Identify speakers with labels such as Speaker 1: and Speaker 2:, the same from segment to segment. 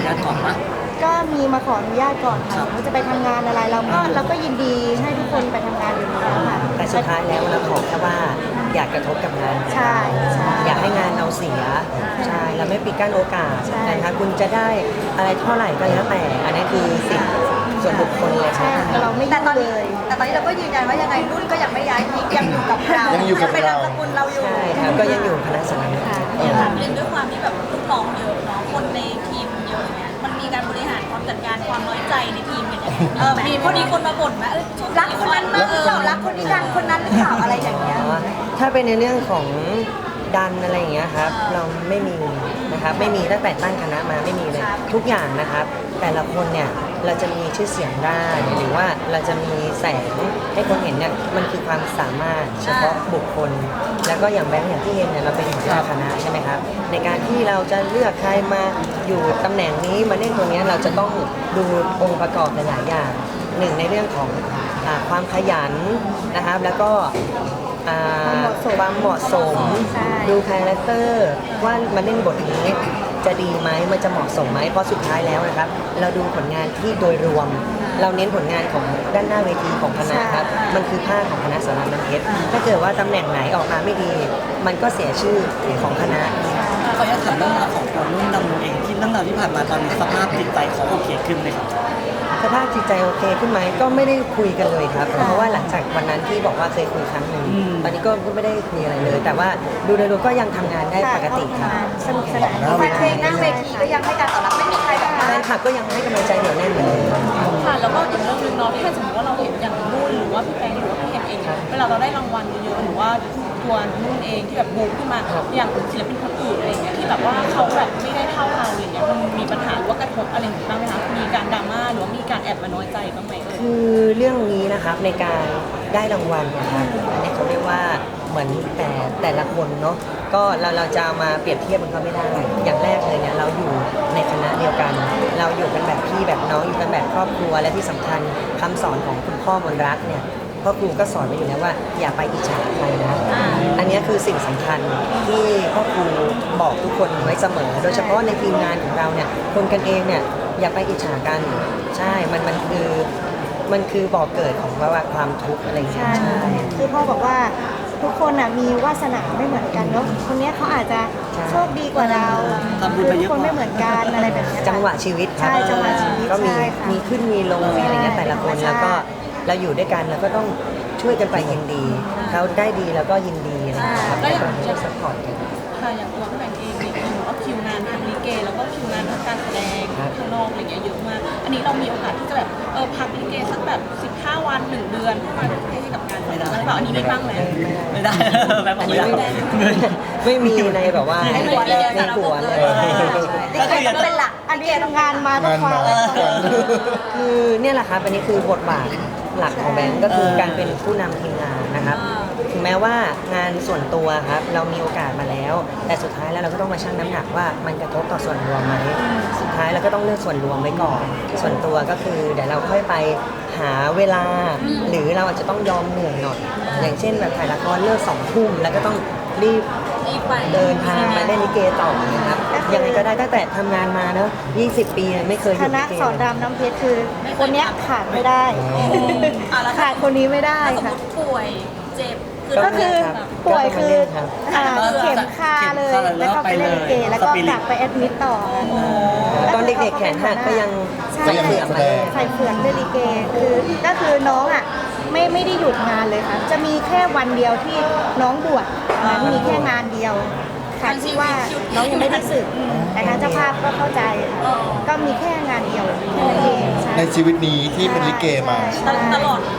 Speaker 1: าตก่อนปะ
Speaker 2: ก็มีมาขออนุญาตก่อนค่ะว่าจะไปทำงานอะไรเราก็ยินดีให้ทุกคนไปทำงานอยู่แล้วค่ะ
Speaker 3: แต่สุดท้ายแล้วเราขอแค่ว่าอยากกระทบกับงาน
Speaker 2: ใช่
Speaker 3: อยากให้งานเราเสียใช่เราไม่ปิดกั้นโอกาสนะคะคุณจะได้อะไรเท่าไหร่ก็แล้วแต่อันนี้คือสิทธิส่วนบุคคลเลยใช่
Speaker 2: เราไม่ยุ่งเลย
Speaker 4: แต่ตอนนี้เราก็ยืนยันว่ายังไงรุ่นก็ยังไม่ย้ายทิ้งยังอยู่กับเรายังเป็นนามสกุลเราอยู่
Speaker 3: ใช่ครับก็ยังอยู่คณะสาร
Speaker 5: ถามเรื่องด้วยความที่แบบลูกน้องเยอะเนาะคนในทีมเยอะเนี่ยมันมีการบริหารความจัดการความน้อยใจในทีมกันอย่างมีพอดีคนมาบ่นไหม
Speaker 4: รักคนนั้นมากหรือเปล่ารักคนนี้ดังคนนั้นหรือเปล่าอะไรอย่างเงี้ย
Speaker 3: ถ้าเป็นในเรื่องของดันอะไรอย่างเงี้ยครับเราไม่มีนะครับไม่มีตั้งแต่ตั้งคณะมาไม่มีเลยทุกอย่างนะครับแต่ละคนเนี่ยเราจะมีชื่อเสียงได้หรือว่าเราจะมีแสงให้คนเห็นเนี่ยมันคือความสามารถเฉพาะบุคคลแล้วก็อย่างแบงค์อย่างที่เห็นเนี่ยเราเป็นหัวหน้าคณะใช่ไหมครับในการที่เราจะเลือกใครมาอยู่ตำแหน่งนี้มาเล่นตรงนี้เราจะต้องดูองค์ประกอบหลายๆอย่างหนึ่งในเรื่องของความขยันนะครับแล้วก็ความเหมาะสมดูคาแรคเตอร์ว่ามาเล่นบทนี้จะดีไหมมันจะเหมาะสมไหมเพราะสุดท้ายแล้วนะครับเราดูผลงานที่โดยรวมเราเน้นผลงานของด้านหน้าเวทีของคณะครับมันคือภาคของคณะสารน้ำเพชรถ้าเกิดว่าตำแหน่งไหนออกมาไม่ดีมันก็เสียชื่อของคณะ
Speaker 1: เขาอยากถามเรื่องราวของตัวรุ่นดำเองที่เรื่องราวที่ผ่านมาตอนนี้สภาพจิตใจเขาโอเคขึ้นไหมครับ
Speaker 3: สภาพจิตใจโอเคขึ้นไหมก็ไม่ได้คุยกันเลยครับเพราะว่าหลังจากวันนั้นที่บอกว่าเคยคุยครั้งหนึ่งตอนนี้ก็ไม่ได้คุยอะไรเลยแต่ว่าดูโดยรวมก็ยังทำงานได้ปกติครับ
Speaker 2: สนุกสนาน
Speaker 4: แฟนเพลงหน้าเวทีก็ยังให้การตอบรับไม่มีใครแบบ
Speaker 3: แฟนคลับก็ยังให้กำลังใจเหนียวแน่นเหมือนเดิม
Speaker 5: ค่ะแล้วก็อีกเรื่องนึงเนาะถ้าสมมติว่าเราเห็นอย่างนุ่นหรือว่าพี่แปงหรือว่าพี่เห็นเองเวลาเราได้รางวัลเยอะๆหรือว่าตัวนุ่นเองที่แบบบูมขึ้นมาอย่างศิลปินคนอื่นอะไรอย่างเงี้ยที่แบบว่าเขาแบบไม่ได้เท่าเราอย่างเงี้ยมันมีปัญหาหรือว่ากระทบอะไรอย่างเงี้ยบ้างไหมคะมีการดราม่าหรือว่ามีการแอบมาน้อยใจบ้างไหม
Speaker 3: คือเรื่องนี้นะครับในการได้รางวัลนะครับอันนี้เขาเรียกว่าเหมือนแต่ละคนเนาะก็เราจะมาเปรียบเทียบมันก็ไม่ได้อย่างแรกเลยเนี่ยเราอยู่ในคณะเดียวกันเราอยู่กันแบบพี่แบบน้องอยู่กันแบบครอบครัวและที่สำคัญคำสอนของคุณพ่อมนรักเนี่ยพ่อครูก็สอนไว้อยู่แล้วว่าอย่าไปอิจฉาใครนะอันนี้คือสิ่งสำคัญที่พ่อครูบอกทุกคนไว้เสมอโดยเฉพาะในทีมงานของเราเนี่ยคนกันเองเนี่ยอย่าไปอิจฉากันใช่มันคือบ่อเกิดของว่าความทุกข์อะไรอย่างเงี้ยใช่
Speaker 2: คือพ่อบอกว่าทุกคนมีวาสนาไม่เหมือนกันเนาะคนนี้เขาอาจจะโชคดีกว่าเราทุกคนไม่เหมือนกันอะไรแบบนี้
Speaker 3: จังหวะชีวิต
Speaker 2: ใช่จังหวะชีวิต
Speaker 3: ก็มีขึ้นมีลงมีอะไรเงี้ยแต่ละคนแล้วก็เราอยู่ด้วยกันแล้วก็ต้องช่วยกันไปยินดีเขาได้ดีแล้วก็ยินดีนะครับแล้วอย่างช่วยซัพพอร์ตกัน
Speaker 5: ค่ะอย่างตัวพี่แบงค์เองเนี่ยก็คิวงานทางลิเกแล้วก็คิวงานทางการแสดงข้างนอกอะไรเงี้ยเยอะมากอันนี้เรามีโอกาสที่จะแบบพักลิเกสักแบบ15 วัน1 เดือนเพื่อมาให้กับงานแล้วเปล่าอันนี้ไม่บ้างไหม
Speaker 1: ไม่ได้แบบ
Speaker 3: ไม่ได้ไม่มีในแบบว่าในหัวเลย
Speaker 4: ก็เป็นหลัก
Speaker 2: อันนี้ทำงานมาทุกวัน
Speaker 3: คือเนี่ยแหละครับอันนี้คือบทบาทหลักของแบงก์ก็คือการเป็นผู้นำทีมงานนะครับถึงแม้ว่างานส่วนตัวครับเรามีโอกาสมาแล้วแต่สุดท้ายแล้วเราก็ต้องมาชั่งน้ำหนักว่ามันกระทบต่อส่วนรวมไหมสุดท้ายเราก็ต้องเลือกส่วนรวมไว้ก่อนส่วนตัวก็คือเดี๋ยวเราค่อยไปหาเวลาหรือเราอาจจะต้องยอมเหนื่อยหน่อยอย่างเช่นแบบถ่ายละครเลิก2 ทุ่มแล้วก็ต้องรีบเดินทางไปเล่นลิเกต่อนะครับยังไงก็ได้ตั้งแต่ทำงานมาเนอะ20 ปีไม่เคย
Speaker 2: คณะสอนรามน้ำเพชรคือคนนี้ขาดไม่ได้ขาดคนนี้ไม่ได้ค่ะ
Speaker 5: ป่วยเจ็บ
Speaker 2: ก็คือป่วยคือเข็มคาเลยแล้วก็ไปเล่นลิเกแล้วก็กลับไปแอดมิดต่อ
Speaker 3: ตอนเด็กๆแขนหักก็ยัง
Speaker 2: ใส่เฟือกเล่นลิเกก็คือน้องไม่ได้หยุดงานเลยค่ะจะมีแค่วันเดียวที่น้องบวชนั้นมีแค่งานเดียวค่ะที่ว่าน้องยังไม่ได้สึกแต่ทางเจ้าภาพก็เข้าใจก็มีแค่งานเดียวแค่นั้นเอง
Speaker 6: ในชีวิตนี้ที่เป็นลิเกมา
Speaker 5: ตลอด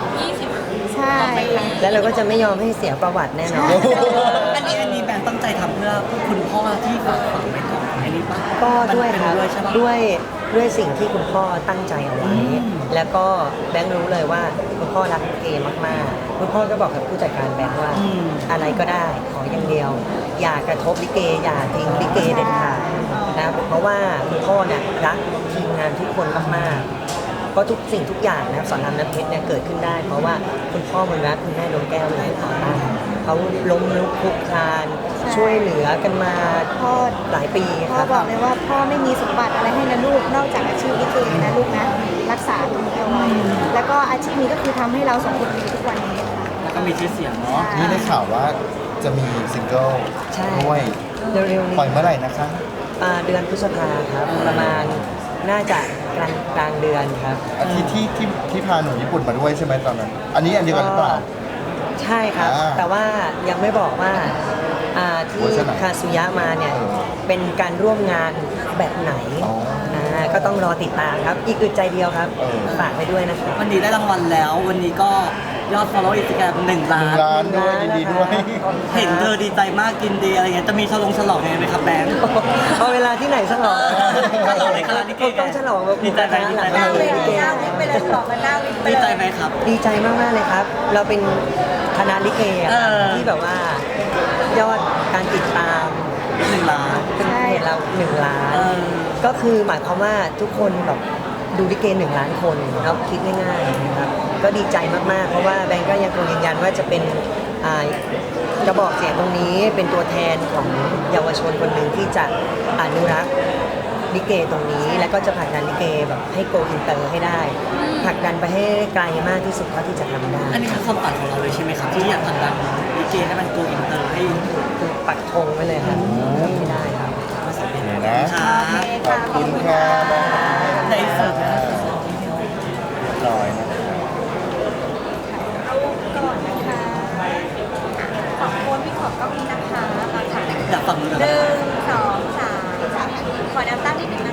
Speaker 5: 20
Speaker 2: ใช่
Speaker 3: แล้วเราก็จะไม่ยอมให้เสียประวัติแน่นอน
Speaker 1: อันนี้แบงค์ตั้งใจทำเพื่อคุณพ่อที่ฝากฝังไว้ก่อนอันนี้ป่ะ
Speaker 3: ก็ด้วยครับด้วยสิ่งที่คุณพ่อตั้งใจเอาไว้แล้วก็แบงค์รู้เลยว่าคุณพ่อรักลิเกมากๆคุณพ่อก็บอกกับผู้จัดการแบงค์ว่าอะไรก็ได้ขออย่างเดียวอย่ากระทบลิเกอย่าทิ้งลิเกเด็ดขาดนะเพราะว่าคุณพ่อเนี่ยรักทีมงานทุกคนมากๆเพราะทุกสิ่งทุกอย่างนะสอนรามน้ำเพชรเนี่ยเกิดขึ้นได้เพราะว่าคุณพ่อมนรักคุณแม่ดวงแก้วเลยเขาล้มลุกคลุกคลานช่วยเหลือกันมา
Speaker 2: พ่อ
Speaker 3: หลายปี
Speaker 2: พ่อบอกเลยว่าพ่อไม่มีสมบัติอะไรให้นะลูกนอกำให้เราสองคนมีทุกวันนี้ค่ะ
Speaker 1: แล้วก็มีชื่อเสียงเนาะ
Speaker 6: นี่ได้ข่าวว่าจะมีซิงเกิล
Speaker 3: ใช่
Speaker 6: ด้วย
Speaker 3: เร็วๆนี้
Speaker 6: ปล่อยเมื่อไหร่นะคะ
Speaker 3: เดือนพฤษภาครับ ประมาณน่าจะกลางเดือนครับ
Speaker 6: อาทิตย์ที่พาหนูญี่ปุ่นมาด้วยใช่ไหมตอนนั้น อันนี้อันเดียวกันหรือเปล่า
Speaker 3: ใช่ครับ แต่ว่ายังไม่บอกว่าที่
Speaker 6: เวอร์ชันไหน
Speaker 3: คาซุยะมาเนี่ยเป็นการร่วมงานแบบไหน
Speaker 6: อ๋อ
Speaker 3: ก็ต้องรอติดตามครับ อีกอึดใจเดียวครับ
Speaker 6: เออ
Speaker 3: ฝากไปด้วยนะครับ
Speaker 1: วันนี้ได้รางวัลแล้ว วันนี้ก็ยอด follow Instagram 1 ล้าน
Speaker 6: 1 ล้านด้วยยินดีด้วย
Speaker 1: เห็นเธอดีใจมากกินดีอะไรเงี้ยจะมีฉลองยังไงไหมครับแบงค์
Speaker 3: เอาเวลาที่ไหนฉลอง
Speaker 1: ฉลองในคณะลิเก
Speaker 3: ต้องฉลองแบบ
Speaker 1: ดีใจไหมดีใจไหม
Speaker 4: หน้าเวทีหน้าวิกไปเลยหลอกกันหน้าวิกไป
Speaker 1: ดี
Speaker 4: เล
Speaker 1: ใจ
Speaker 4: ย
Speaker 1: ไหมครับ
Speaker 3: ดีใจมากๆเลยครับ เราเป็นคณะลิเกอะครับ
Speaker 1: เออ
Speaker 3: ที่แบบว่ายอดการติดตาม
Speaker 1: 1 ล้าน
Speaker 3: เป็นเพจเรา1 ล้าน
Speaker 1: เออ
Speaker 3: ก็คือหมายความว่าทุกคนแบบดูลิเก1 ล้านคนครับคิดง่ายๆนะครับก็ดีใจมากๆ เพราะว่าแบงก์ก็ยังคงยืนยันว่าจะเป็นกระบอกเสียงตรงนี้เป็นตัวแทนของเยาวชนคนหนึ่งที่จะอนุรักษ์ลิเกตรงนี้ แล้วก็จะผลักดันลิเกแบบให้โกอินเตอร์ให้ได้ผลักดันไปให้ไกลมากที่สุดเท่าที่จะทำได้
Speaker 1: อันนี้คือความฝันของเราเลยใช่ไหมครับ ที่อยากทำดังลิเกให้มันโกอินเตอร์ให้
Speaker 3: คือปักธงไว้เลยครับทำไม่ได้ครับ
Speaker 6: นี่นะ
Speaker 1: ครับ
Speaker 6: ขอบคุณค่ะน้อง
Speaker 1: ในสุดนะ
Speaker 6: ลอยนะ
Speaker 4: รูปก่อนนะคะขอบคุณพี่ขอบกล้องนี้นะคะมาถ่าย
Speaker 1: อยากฟังเลย
Speaker 4: 1 2 3ขอน้ำตั้งนิดนึงนะ